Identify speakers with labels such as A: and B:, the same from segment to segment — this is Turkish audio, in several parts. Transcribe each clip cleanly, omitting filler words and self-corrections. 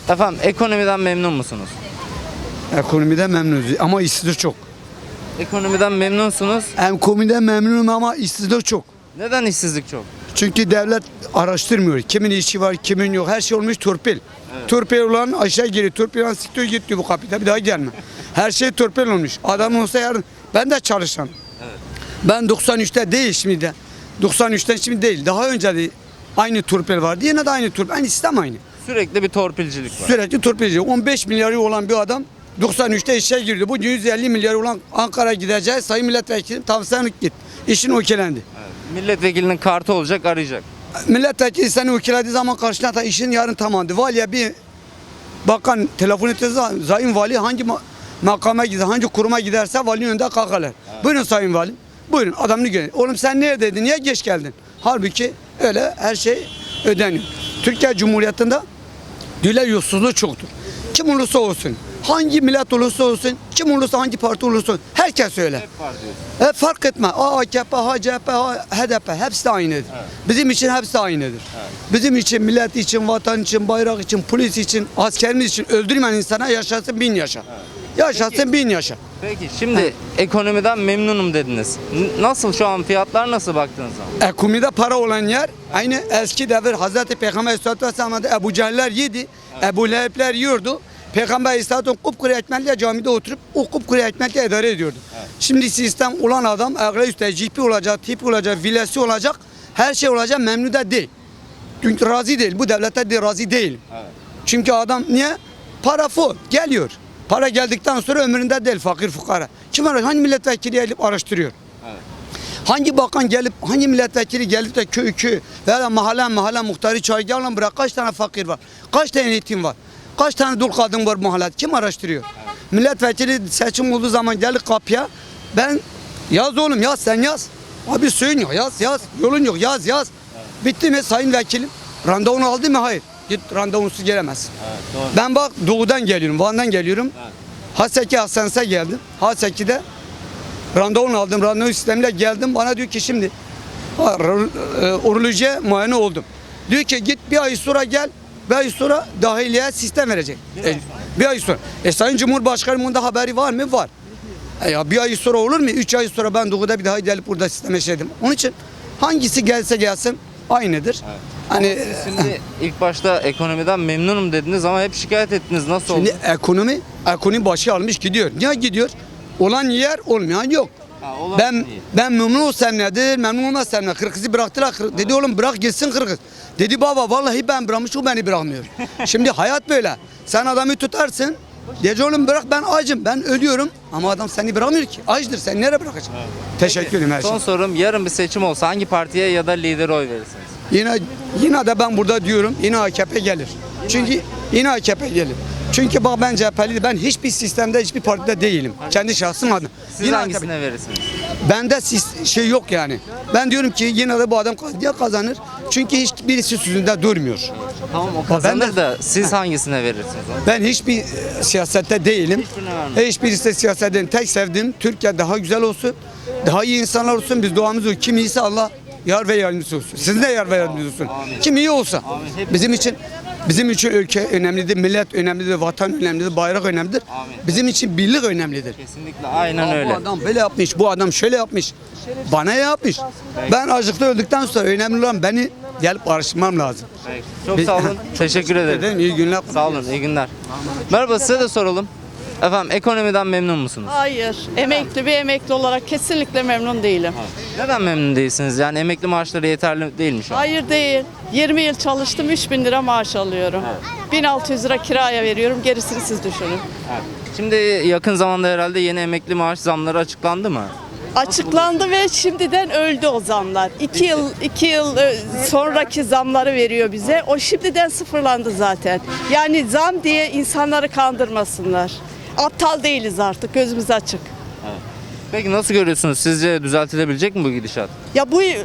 A: Efendim ekonomiden memnun musunuz?
B: Ekonomiden memnunuz ama işsizlik çok.
A: Ekonomiden memnunsunuz.
B: Ekonomiden memnunum ama işsizlik çok.
A: Neden işsizlik çok?
B: Çünkü devlet araştırmıyor. Kimin işi var, kimin yok. Her şey olmuş torpil. Torpil olan aşağı geliyor. Torpil olan siktir git diyor bu kapita bir daha gelme. Her şey torpil olmuş. Adam olsa yarın ben de çalışan. Ben 93'te değil şimdi de. 93'ten şimdi değil. Daha önce de aynı torpil vardı. Yine de aynı torpil. Aynı sistem aynı.
A: Sürekli bir torpilcilik var.
B: Sürekli torpilci. 15 milyarı olan bir adam 93'te işe girdi. Bugün 150 milyarı olan Ankara'ya gideceğiz. Sayın milletvekili tavsiyen git. İşin okelendi.
A: Milletvekilinin kartı olacak, arayacak.
B: Milletvekili seni okelediği zaman karşına da işin yarın tamamdı. Valiye bir bakan telefon ettiği zaman Sayın Vali hangi makama gider, hangi kuruma giderse valinin önünde kalkarlar. Buyurun Sayın Vali. Buyurun adamını görün. Oğlum sen neredeydin? Niye geç geldin? Halbuki öyle her şey ödeniyor. Türkiye Cumhuriyeti'nde diyorlar yolsuzluğu çoktur. Kim olursa olsun, hangi millet olursa olsun, kim olursa hangi parti olursa olsun, herkes öyle.
A: Hep var diyorsun.
B: Fark etme. AKP, HDP, HDP hepsi de aynıdır. Bizim için hepsi aynıdır. Bizim için, millet için, vatan için, bayrak için, polis için, askerimiz için öldürmeyen insana yaşasın 1000 yaşa. Yaşasın 1000 yaşa.
A: Peki şimdi ekonomiden memnunum dediniz. Nasıl şu an fiyatlar nasıl baktığınız zaman?
B: Ekonomide para olan yer aynı eski devir Hazreti Peygamber Aleyhisselatü Vesselam'da Ebu Cehiller yedi, Ebu Lehebler yiyordu. Peygamber Aleyhisselatü kupkuru ekmekle camide oturup o kupkuru ekmekle idare ediyordu. Şimdi sistem olan adam ağır üstte cipi olacak, tipi olacak, vilesi olacak, her şey olacak memnun da değil. Çünkü razı değil, bu devlette de razı değil. Çünkü adam niye? Para full geliyor. Para geldikten sonra ömründe değil fakir fukara. Kim araştırıyor? Hangi milletvekili gelip araştırıyor? Hangi bakan gelip, hangi milletvekili gelip de köy veya mahalle muhtarı çayırgan bırak kaç tane fakir var? Kaç tane yetim var? Kaç tane dul kadın var mahallede? Kim araştırıyor? Milletvekili seçim olduğu zaman gelir kapıya. Ben yaz oğlum yaz sen yaz. Abi suyun yok yaz. Yolun yok yaz. Bitti mi sayın vekilim? Randevunu aldı mı? Hayır. Git randevusuz gelemezsin. Ben bak doğudan geliyorum, Van'dan geliyorum. Haseki Hastanesi'ne geldim. Haseki'de randevunu aldım. Randevu sistemiyle geldim. Bana diyor ki şimdi urolojiye muayene oldum. Diyor ki git bir ay sonra gel. Bir ay sonra dahiliye sistem verecek. Bir ay sonra. Sayın Cumhurbaşkanı bunda haberi var mı? Var. Ya bir ay sonra olur mu? 3 ay sonra ben doğuda bir daha gelip burada sisteme şeydim. Onun için hangisi gelse gelsin aynıdır. Hani
A: Şimdi ilk başta ekonomiden memnunum dediniz ama hep şikayet ettiniz. Nasıl oldu?
B: şimdi ekonomi başı almış gidiyor. Niye gidiyor? Olan yer olmayan yok.
A: olan
B: Ben
A: iyi.
B: ben memnun olsam nedir? Memnun olmazsam ne? Kırgız'ı bıraktılar. Dedi oğlum bırak gitsin Kırgız. Dedi baba vallahi ben bırakmış o beni bırakmıyor. Şimdi hayat böyle. Sen adamı tutarsın. Diyece oğlum bırak ben acım ben ölüyorum ama adam seni bırakmıyor ki. Açtır sen nereye bırakacaksın? Teşekkür ederim her şey.
A: Son sorum, yarın bir seçim olsa hangi partiye ya da lidere oy verirsiniz?
B: Yine de ben burada diyorum yine AKP gelir. Çünkü yine AKP gelir. Çünkü bak ben CHP'li ben hiçbir sistemde hiçbir partide değilim. Kendi şahsım adına.
A: Siz
B: Yine
A: hangisine verirsiniz?
B: bende şey yok yani. Ben diyorum ki yine de bu adam kazanır. Çünkü hiçbirisi sözünde durmuyor.
A: Tamam o kazanır
B: Ben de-
A: da siz hangisine verirsiniz?
B: Ben hiçbir siyasette değilim.
A: Hiçbirine vermem.
B: Hiçbirisi de siyasetten tek sevdiğim Türkiye daha güzel olsun. Daha iyi insanlar olsun. Biz duamız o. Kim iyiyse Allah yar ve yardımcısı olsun. Sizin de yar ve yardımcısı olsun. Kim iyi olsa.
A: Amin.
B: Bizim için ülke önemlidir, millet önemlidir, vatan önemlidir, bayrak önemlidir. Bizim için birlik önemlidir.
A: Kesinlikle aynen
B: Bu
A: öyle.
B: adam böyle yapmış, bu adam şöyle yapmış. Bana yapmış. Ben acıkta öldükten sonra önemli olan beni gelip araştırmam lazım.
A: Peki. Çok sağ olun. Teşekkür ederim.
B: Dedim iyi günler.
A: Sağ olun. İyi günler. Merhaba, size de soralım. Efendim ekonomiden memnun musunuz?
C: Hayır. Bir emekli olarak kesinlikle memnun değilim.
A: Neden memnun değilsiniz? Yani emekli maaşları yeterli değil mi şu an?
C: Hayır değil. 20 yıl çalıştım 3.000 lira maaş alıyorum. 1.600 lira kiraya veriyorum. Gerisini siz düşünün.
A: Şimdi yakın zamanda herhalde yeni emekli maaş zamları açıklandı mı?
C: Açıklandı ve şimdiden öldü o zamlar. 2 yıl sonraki zamları veriyor bize. O şimdiden sıfırlandı zaten. Yani zam diye insanları kandırmasınlar. Aptal değiliz artık. Gözümüz açık.
A: Peki nasıl görüyorsunuz? Sizce düzeltilebilecek mi bu gidişat?
C: Ya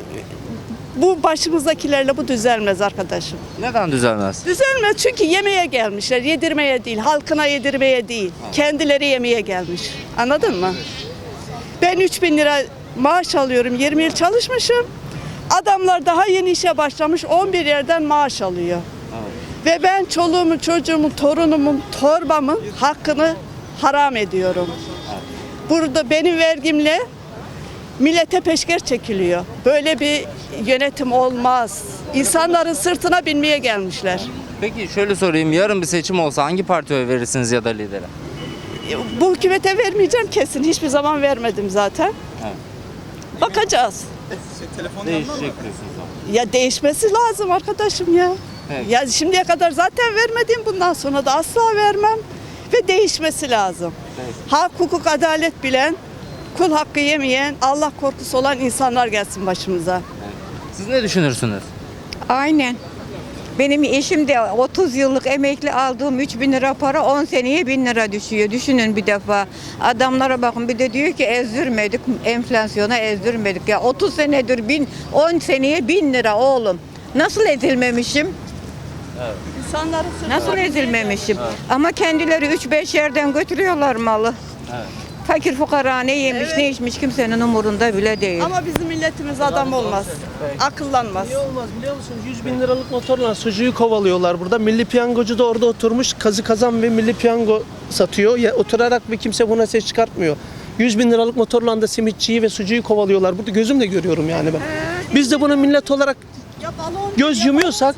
C: bu başımızdakilerle bu düzelmez arkadaşım.
A: Neden düzelmez?
C: Düzelmez çünkü yemeğe gelmişler. Yedirmeye değil, halkına yedirmeye değil. Kendileri yemeye gelmiş. Anladın mı? Ben 3.000 lira maaş alıyorum. 20 yıl çalışmışım. Adamlar daha yeni işe başlamış. 11 yerden maaş alıyor. Ve ben çoluğumun, çocuğumun, torunumun, torbamın hakkını haram ediyorum. Burada benim vergimle millete peşkeş çekiliyor. Böyle bir yönetim olmaz. İnsanların sırtına binmeye gelmişler.
A: Peki şöyle sorayım. Yarın bir seçim olsa hangi partiye oy verirsiniz ya da lidere?
C: Bu hükümete vermeyeceğim kesin. Hiçbir zaman vermedim zaten.
A: Evet.
C: Bakacağız.
A: Değişecek diyorsunuz.
C: Ya değişmesi lazım arkadaşım ya.
A: Evet.
C: Ya şimdiye kadar zaten vermedim. Bundan sonra da asla vermem. Ve değişmesi lazım.
A: Evet.
C: Hak, hukuk, adalet bilen, kul hakkı yemeyen, Allah korkusu olan insanlar gelsin başımıza.
A: Siz ne düşünürsünüz?
D: Aynen. Benim eşim de 30 yıllık emekli aldığım 3.000 lira para 10 seneye 1.000 lira düşüyor. Düşünün bir defa. Adamlara bakın bir de diyor ki ezdirmedik, enflasyona ezdirmedik. Ya 30 senedir 10 seneye 1.000 lira oğlum. Nasıl ezilmemişim?
C: İnsanları
D: Nasıl ezilmemişim? Ama kendileri 3-5 yerden götürüyorlar malı. Fakir fukara ne yemiş ne içmiş kimsenin umurunda bile değil.
C: Ama bizim milletimiz adam olmaz. Akıllanmaz.
E: Niye olmaz biliyor musun? 100 bin liralık motorla sucuğu kovalıyorlar burada. Milli piyangocu da orada oturmuş kazı kazan ve milli piyango satıyor. Ya, oturarak bir kimse buna ses çıkartmıyor. 100 bin liralık motorla da simitçiyi ve sucuğu kovalıyorlar. Burada gözümle görüyorum yani ben. Biz de buna millet olarak göz yumuyorsak,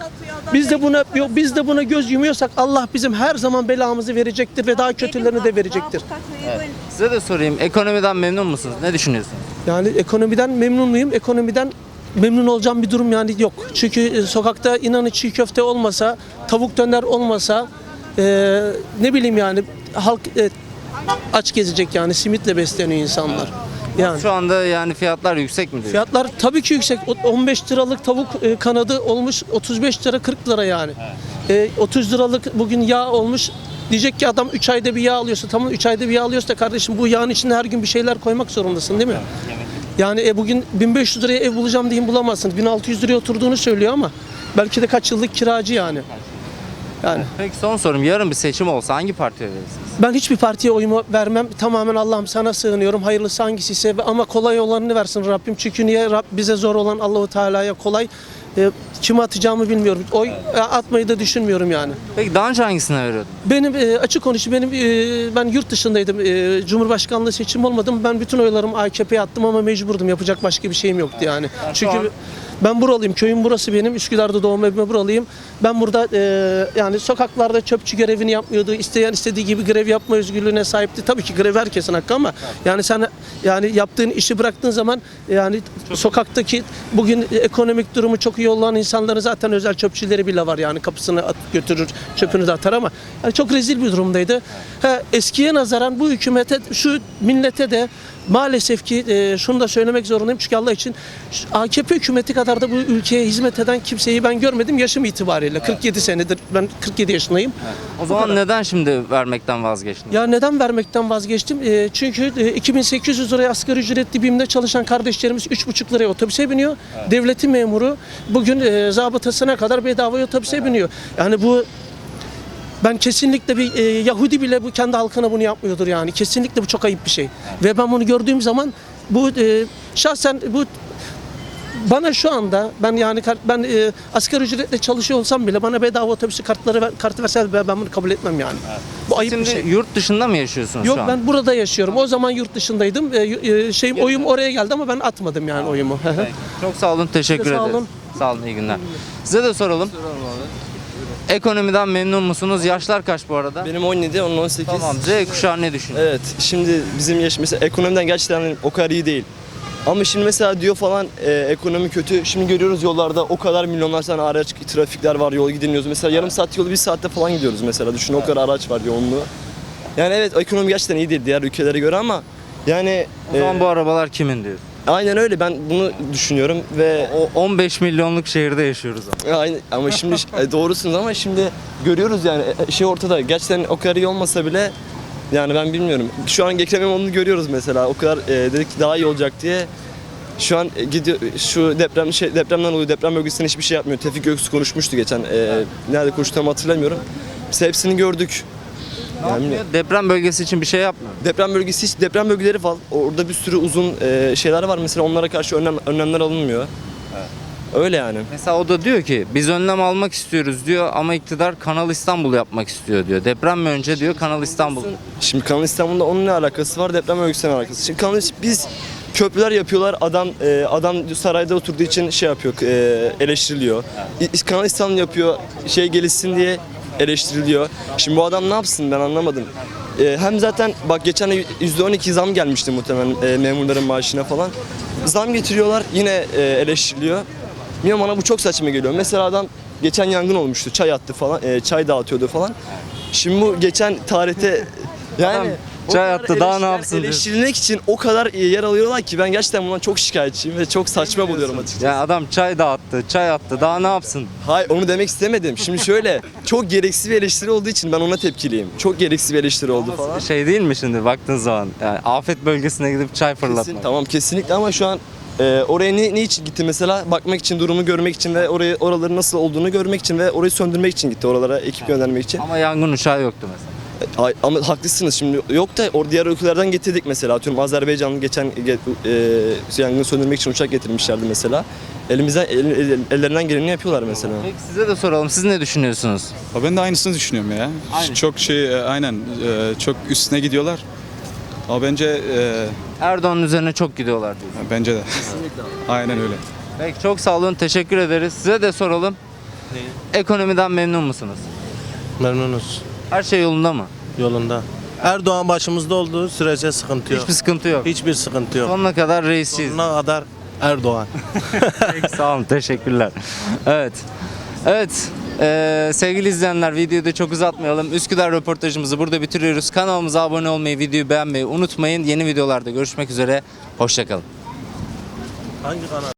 E: biz de buna göz yumuyorsak Allah bizim her zaman belamızı verecektir ve daha kötülerini de verecektir.
A: Size de sorayım. Ekonomiden memnun musunuz? Ne düşünüyorsunuz?
E: Yani ekonomiden memnun muyum? Ekonomiden memnun olacağım bir durum yani yok. Çünkü sokakta inanın çiğ köfte olmasa, tavuk döner olmasa ne bileyim yani halk aç gezecek yani simitle besleniyor insanlar. Yani
A: Şu anda yani fiyatlar yüksek mi diyorsunuz?
E: fiyatlar tabii ki yüksek. 15 liralık tavuk kanadı olmuş 35 lira 40 lira yani. 30 liralık bugün yağ olmuş. Diyecek ki adam 3 ayda bir yağ alıyorsa tamam 3 ayda bir yağ alıyorsa da kardeşim bu yağın içine her gün bir şeyler koymak zorundasın değil mi? Yani bugün 1500 liraya ev bulacağım diyeyim bulamazsın. 1600 liraya oturduğunu söylüyor ama belki de kaç yıllık kiracı yani. Yani
A: Peki son sorum. Yarın bir seçim olsa hangi partiye verirsiniz?
E: ben hiçbir partiye oyumu vermem. Tamamen Allah'ım sana sığınıyorum. Hayırlısı hangisiyse ama kolay olanını versin Rabbim. Çünkü niye bize zor olan Allahu Teala'ya kolay. Kime atacağımı bilmiyorum. Oy atmayı da düşünmüyorum yani.
A: Peki daha önce hangisine veriyordun?
E: Benim açık konuşayım ben yurt dışındaydım. Cumhurbaşkanlığı seçim olmadım. Ben bütün oylarımı AKP'ye attım ama mecburdum. Yapacak başka bir şeyim yoktu yani. Çünkü ben buralıyım. Köyüm burası benim. Üsküdar'da doğma evime buralıyım. Ben burada yani sokaklarda çöpçü görevini yapmıyordu. İsteyen istediği gibi grev yapma özgürlüğüne sahipti. Tabii ki grev herkesin hakkı ama yani sen yani yaptığın işi bıraktığın zaman yani sokaktaki bugün ekonomik durumu çok iyi olan insanların zaten özel çöpçüleri bile var yani kapısını götürür çöpünü de atar ama yani çok rezil bir durumdaydı. Eskiye nazaran bu hükümete şu millete de maalesef ki şunu da söylemek zorundayım çünkü Allah için AKP hükümeti kadar da bu ülkeye hizmet eden kimseyi ben görmedim yaşım itibariyle. 47 senedir ben 47 yaşındayım.
A: O zaman neden şimdi vermekten vazgeçtiniz?
E: Ya neden vermekten vazgeçtim? Çünkü 2800 liraya asgari ücretli BİM'de çalışan kardeşlerimiz 3,5 liraya otobüse biniyor. Devletin memuru bugün zabıtasına kadar bedava otobüse biniyor. Yani bu ben kesinlikle bir Yahudi bile bu kendi halkına bunu yapmıyordur yani. Kesinlikle bu çok ayıp bir şey. Ve ben bunu gördüğüm zaman bu şahsen bu bana şu anda ben asgari ücretle çalışıyor olsam bile bana bedava otobüsü kartı verse ben bunu kabul etmem yani. Bu ayıp bir
A: Şimdi
E: şey.
A: yurt dışında mı yaşıyorsunuz
E: Yok
A: şu an?
E: ben burada yaşıyorum. O zaman yurt dışındaydım. Oyum oraya geldi ama ben atmadım yani oyumu.
A: Peki. Çok sağ olun. Teşekkür
E: Sağ
A: ederiz.
E: olun.
A: Sağ olun. İyi günler. Size de soralım. Ekonomiden memnun musunuz? Yaşlar kaç bu arada?
F: Benim 17, onun 18.
A: Tamam. Z kuşağı ne düşünüyor?
F: Evet, şimdi bizim yaş mesela ekonomiden gerçekten o kadar iyi değil. Ama şimdi mesela diyor falan ekonomi kötü. Şimdi görüyoruz yollarda o kadar milyonlar tane araç, trafikler var, yol gidilmiyoruz. Mesela yarım saat yolu 1 saatte falan gidiyoruz mesela. Düşün o kadar araç var yoğunluğu. Yani evet ekonomi gerçekten iyi değil diğer ülkelere göre ama yani
A: O zaman bu arabalar kimin diyor?
F: aynen öyle ben bunu düşünüyorum ve
A: O 15 milyonluk şehirde yaşıyoruz ama.
F: aynı ama şimdi doğrusunuz ama şimdi görüyoruz yani şey ortada gerçekten o kadar iyi olmasa bile yani ben bilmiyorum. Şu an Ekrem İmamoğlu'nu görüyoruz mesela. O kadar dedik ki daha iyi olacak diye. Şu an gidiyor şu depremden oluyor. Deprem bölgesinden hiçbir şey yapmıyor. Tevfik Göksu konuşmuştu geçen. Nerede konuştuğumu hatırlamıyorum. Biz hepsini gördük. Yani
A: Deprem bölgesi için bir şey yapmıyor.
F: deprem bölgeleri var. Orada bir sürü uzun şeyler var mesela onlara karşı önlemler alınmıyor. Öyle yani.
A: Mesela o da diyor ki biz önlem almak istiyoruz diyor ama iktidar Kanal İstanbul yapmak istiyor diyor. Deprem mi önce diyor Kanal İstanbul.
F: Şimdi Kanal İstanbul'da onun ne alakası var? Deprem örgüsüne alakası. Şimdi biz köprüler yapıyorlar. Adam sarayda oturduğu için şey yapıyor, eleştiriliyor. Kanal İstanbul yapıyor, şey gelişsin diye eleştiriliyor. Şimdi bu adam ne yapsın ben anlamadım. Hem zaten bak geçen ay %12 zam gelmişti muhtemelen memurların maaşına falan. Zam getiriyorlar yine eleştiriliyor. Bilmiyorum, bana bu çok saçma geliyor. Mesela adam geçen yangın olmuştu, çay attı falan, çay dağıtıyordu falan. Şimdi bu geçen tarihte yani o
A: çay
F: kadar
A: attı, daha ne yapsın diyorsun?
F: eleştirilmek için o kadar yer alıyorlar ki ben gerçekten bundan çok şikayetçiyim ve çok saçma buluyorum açıkçası.
A: Ya adam çay dağıttı, çay attı. Daha ne yapsın?
F: Hayır, onu demek istemedim. Şimdi şöyle çok gereksiz bir eleştiri olduğu için ben ona tepkiliyim. Çok gereksiz bir eleştiri oldu falan.
A: Şey değil mi şimdi baktığın zaman? Yani afet bölgesine gidip çay fırlatmak.
F: Kesin, tamam kesinlikle ama şu an oraya ne için gitti mesela? Bakmak için, durumu görmek için ve oraların nasıl olduğunu görmek için ve orayı söndürmek için gitti, oralara ekip göndermek için.
A: Ama yangın uçağı yoktu mesela.
F: Ama haklısınız, şimdi yok da diğer ülkelerden getirdik mesela. Atıyorum Azerbaycan'ın geçen yangını söndürmek için uçak getirmişlerdi mesela. Ellerinden geleni yapıyorlar mesela.
A: Peki size de soralım. Siz ne düşünüyorsunuz?
G: Ben de aynısını düşünüyorum ya.
A: Aynı.
G: Çok aynen çok üstüne gidiyorlar. Ama bence
A: Erdoğan'ın üzerine çok gidiyorlar diyor.
G: bence de. Aynen öyle.
A: Peki çok sağ olun. Teşekkür ederiz. Size de soralım. Ekonomiden memnun musunuz?
H: Memnunuz.
A: Her şey yolunda mı?
H: Yolunda. Erdoğan başımızda olduğu sürece sıkıntı yok.
A: Hiçbir sıkıntı yok.
H: Hiçbir sıkıntı yok.
A: Sonuna kadar reisçiyiz.
H: Sonuna kadar Erdoğan.
A: Peki, sağ olun. Teşekkürler. Evet. Evet. Sevgili izleyenler, videoyu da çok uzatmayalım. Üsküdar röportajımızı burada bitiriyoruz. Kanalımıza abone olmayı, videoyu beğenmeyi unutmayın. Yeni videolarda görüşmek üzere. Hoşça kalın.
H: Hangi kanal?